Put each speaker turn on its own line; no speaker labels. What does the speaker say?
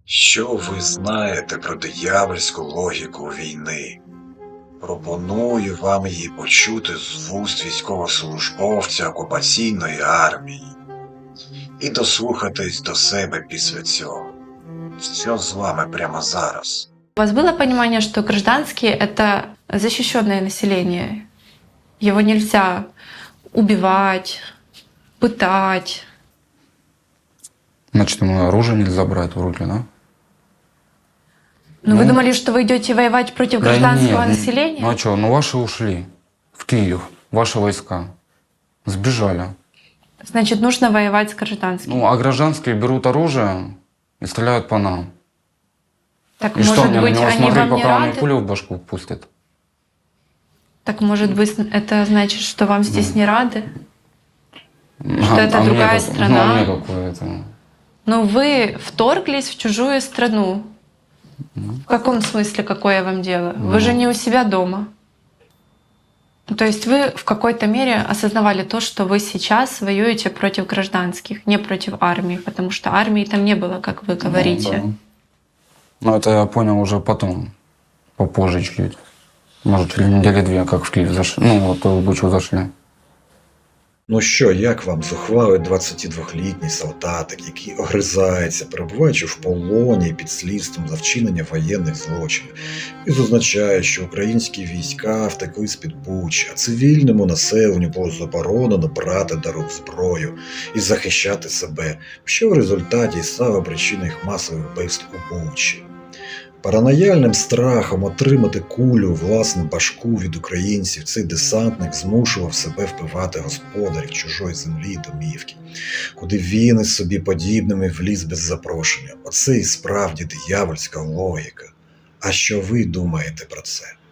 Що ви знаєте про диявольську логіку війни? Пропоную вам її почути з вуст військовослужбовця окупаційної армії і дослухатись до себе після цього. Що з вами прямо зараз?
У вас было понимание, что гражданские — это защищенное население? Его нельзя убивать, пытать.
Значит, ему оружие нельзя брать в руки, да?
Но вы думали, что вы идете воевать против гражданского населения?
Ну а что, ну ваши ушли в Киев, ваши войска. Сбежали.
Значит, нужно воевать с гражданскими.
Ну, а гражданские берут оружие и стреляют по нам.
Так,
И что,
может
мне на
быть,
него
они
смотреть,
вам не
пока он мне
рады?
пулю в башку пустит?
Так, может быть, это значит, что вам здесь не рады? Что это
мне
другая
как-
страна?
Ну, а мне какое это?
Но вы вторглись в чужую страну. В каком смысле, какое вам дело? Вы же не у себя дома. То есть вы в какой-то мере осознавали то, что вы сейчас воюете против гражданских, не против армии, потому что армии там не было, как вы говорите.
Ну, да. Ну, это я понял уже потом, попозже чуть-чуть. Может, через недели две, как в Киев зашли. Ну, вот в Бучу зашли.
Ну що, як вам зухвалий 22-літній солдатик, який огризається, перебуваючи в полоні під слідством за вчинення воєнних злочинів, і зазначає, що українські війська втекли з-під Бучі, а цивільному населенню було заборонено брати до рук зброю і захищати себе, що в результаті і стало причиною їх масових вбивств у Бучі. Паранояльним страхом отримати кулю у власну башку від українців цей десантник змушував себе вбивати господарів чужої землі і домівки, куди він із собі подібними вліз без запрошення. Оце і справді диявольська логіка. А що ви думаєте про це?